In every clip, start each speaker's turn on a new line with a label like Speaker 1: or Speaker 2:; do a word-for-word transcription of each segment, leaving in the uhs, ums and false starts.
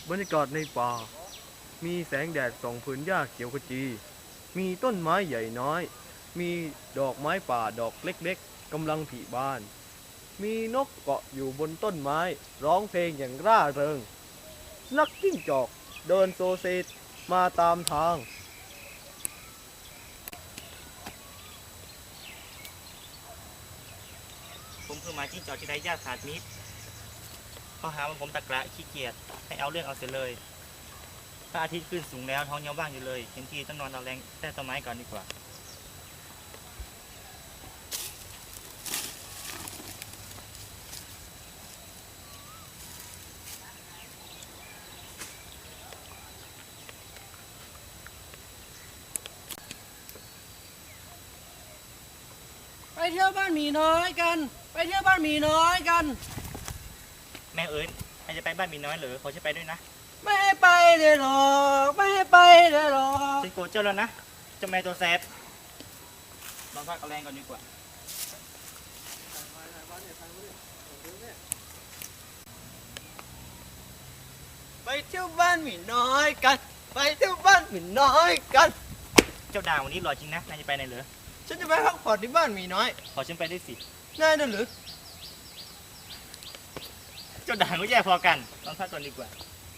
Speaker 1: บรรยากาศในป่ามีแสงแดดส่องผืนหญ้าเขียวขจี มีต้นไม้ใหญ่น้อย มีดอกไม้ป่าดอกเล็กๆกำลังผลิบาน มีนกเกาะอยู่บนต้นไม้ร้องเพลงอย่างร่าเริงนักจิ้งจอกเดินโซเซมาตามทาง
Speaker 2: ผมคือหมาจิ้งจอกที่ไร้ญาติขาดมิตรเขาหาว่าผมตะกระขี้เกียจให้เอาเรื่องเอาเสียเลยพระอาทิตย์ขึ้นสูงแล้วท้องยังว่างอยู่เลยเห็นทีต้องนอนเอาแรงแต่ต้นไม้ก่อนดีกว่า
Speaker 3: ไปเที่ยวบ้านหมีน้อยกันไปเที่ยวบ้านหมีน้อยกัน
Speaker 2: แม่เอ๋ยแม่จะไปบ้านมีน้อยเหรือขอฉันไปด้วยนะ
Speaker 3: ไม่ให้ไปเลยหรอกไม่ให้ไปเลยหรอก
Speaker 2: ฉันโกรธเจ้าแล้วนะเจ้าแม่ตัวแสบลองพักเอาแรงก่อนดีกว่า
Speaker 3: ไปเที่ยวบ้านหมีน้อยกันไปเที่ยวบ้านหมีน้อยกัน
Speaker 2: เจ้าด่างวันนี้หล่อจริงนะนายจะไปไหนเหรอ
Speaker 3: ฉันจะไปพักผ่อนที่บ้านหมีน้อย
Speaker 2: ขอฉันไปด้วยสิ
Speaker 3: ได้นะหรือ
Speaker 2: เจ้าด่างก็แย่พอกันลองพักก่อนดีกว่า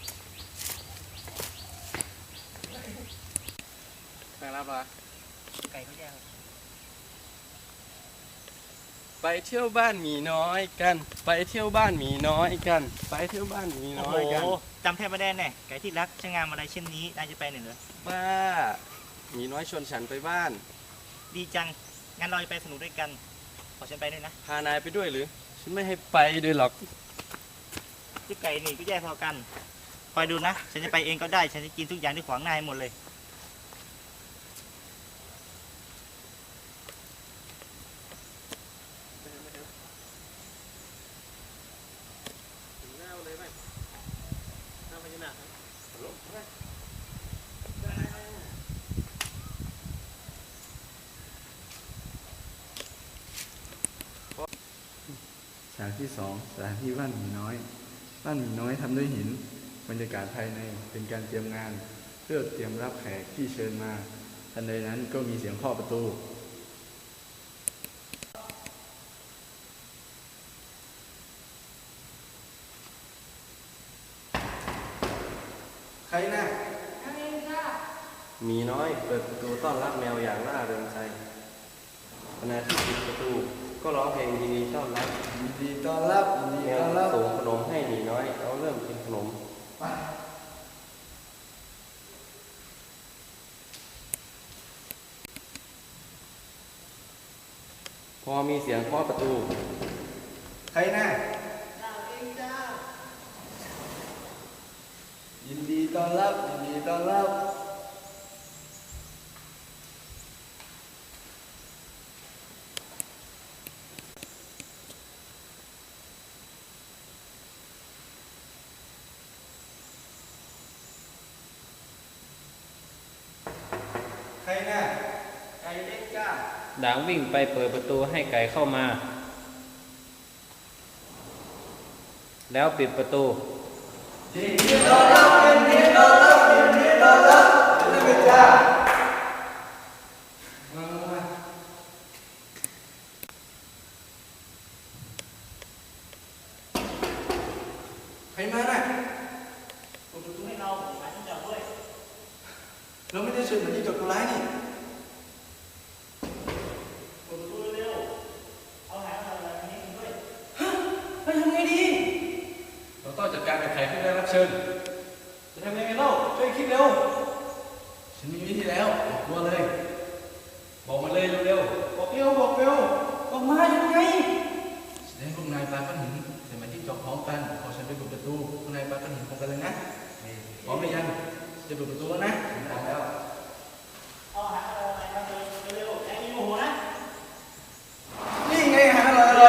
Speaker 3: ไปรับละ
Speaker 2: ไก่ก็แย่
Speaker 3: ไปเที่ยวบ้านหมีน้อยกันไปเที่ยวบ้านหมีน้อยกันไปเที่ยวบ้านหมีน้อยกัน
Speaker 2: โอ้จำแทบไม่ได้แน่ไก่ที่รักช่างงามอะไรเช่นนี้นายจะไปไหนเหรอ
Speaker 3: บ้าหมีน้อยชวนฉันไปบ้าน
Speaker 2: ดีจังงั้นเราจะไปสนุกด้วยกันขอฉันไปด้วยนะ
Speaker 3: พานายไปด้วยหรือฉันไม่ให้ไปด้วยหรอก
Speaker 2: ที่ไก่นี่ก็แย่พอกันคอยดูนะฉันจะไปเองก็ได้ฉันจะกินทุกอย่างที่ขวางหน้าหมดเลย
Speaker 1: ฉากที่สองสถานที่บ้านหมีน้อยบ้านหมีน้อยทำด้วยหินบรรยากาศภายในเป็นการเตรียมงานเพื่อเตรียมรับแขกที่เชิญมาทันใดนั้นก็มีเสียงเคาะประตู
Speaker 3: ใครนะหมีน้อยเปิดประตูต้อนรับแมวอย่างร่าเริงใจขณะที่ปิดประตูก็ร้องเพลงยินดีต้อนรับ
Speaker 1: ยินดีต้อนรับยินดีต้อนรับ
Speaker 3: ส่งขนมให้หมีน้อยเขาเริ่มกินขนมพอมีเสียงเคาะประตูใครนะ
Speaker 1: เราเองจ้ายินดีต้อนรับยินดีต้อนรับใครน่ะไก่เล็กจ้า
Speaker 3: ด่างวิ่งไปเปิดประตูให้ไก่เข้ามาแล้วปิดประตู
Speaker 1: ยินดีต้อนรับยินดีต้อนรับยินดีต้อนรับนี่เป็นจ้ามามาใครมาน่ะ
Speaker 2: เปิดประตูให้เราหาที่จอดด้วย
Speaker 1: เราไม่ได้เชิญมาที่จอดตัวร้ายนี่
Speaker 2: เปิดประตูเร็วเอาหาอะไรนี้กันด้วย
Speaker 1: ฮะเราทำไงดีเราต้องจัดการกับใครที่ได้รับเชิญจะทำยังไงเล่าช่วยคิดเร็วฉันมีวิธีแล้วบอกตัวเลยบอกมาเลยเร็วๆบอกเร็วบอกเร็วบอกมายังไงแสดงพวกนายปลาก้อนหินแต่มาที่จอกพร้อมกันพอฉันไปเปิดประตูพวกนายปลาก้อนหินพร้อมกันเลยนะพร้อมหรือยังจะเปิดประตูแล้วนะพร้อมแล้ว
Speaker 2: เอาหาอะไรมาเร็วๆแกมีโมโหนะ
Speaker 1: นี่ไงหาอะไร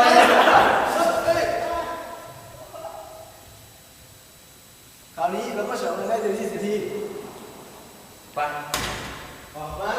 Speaker 1: คราวนี้เราก็เฉลิมได้เต็มที่เสียทีไปออกมา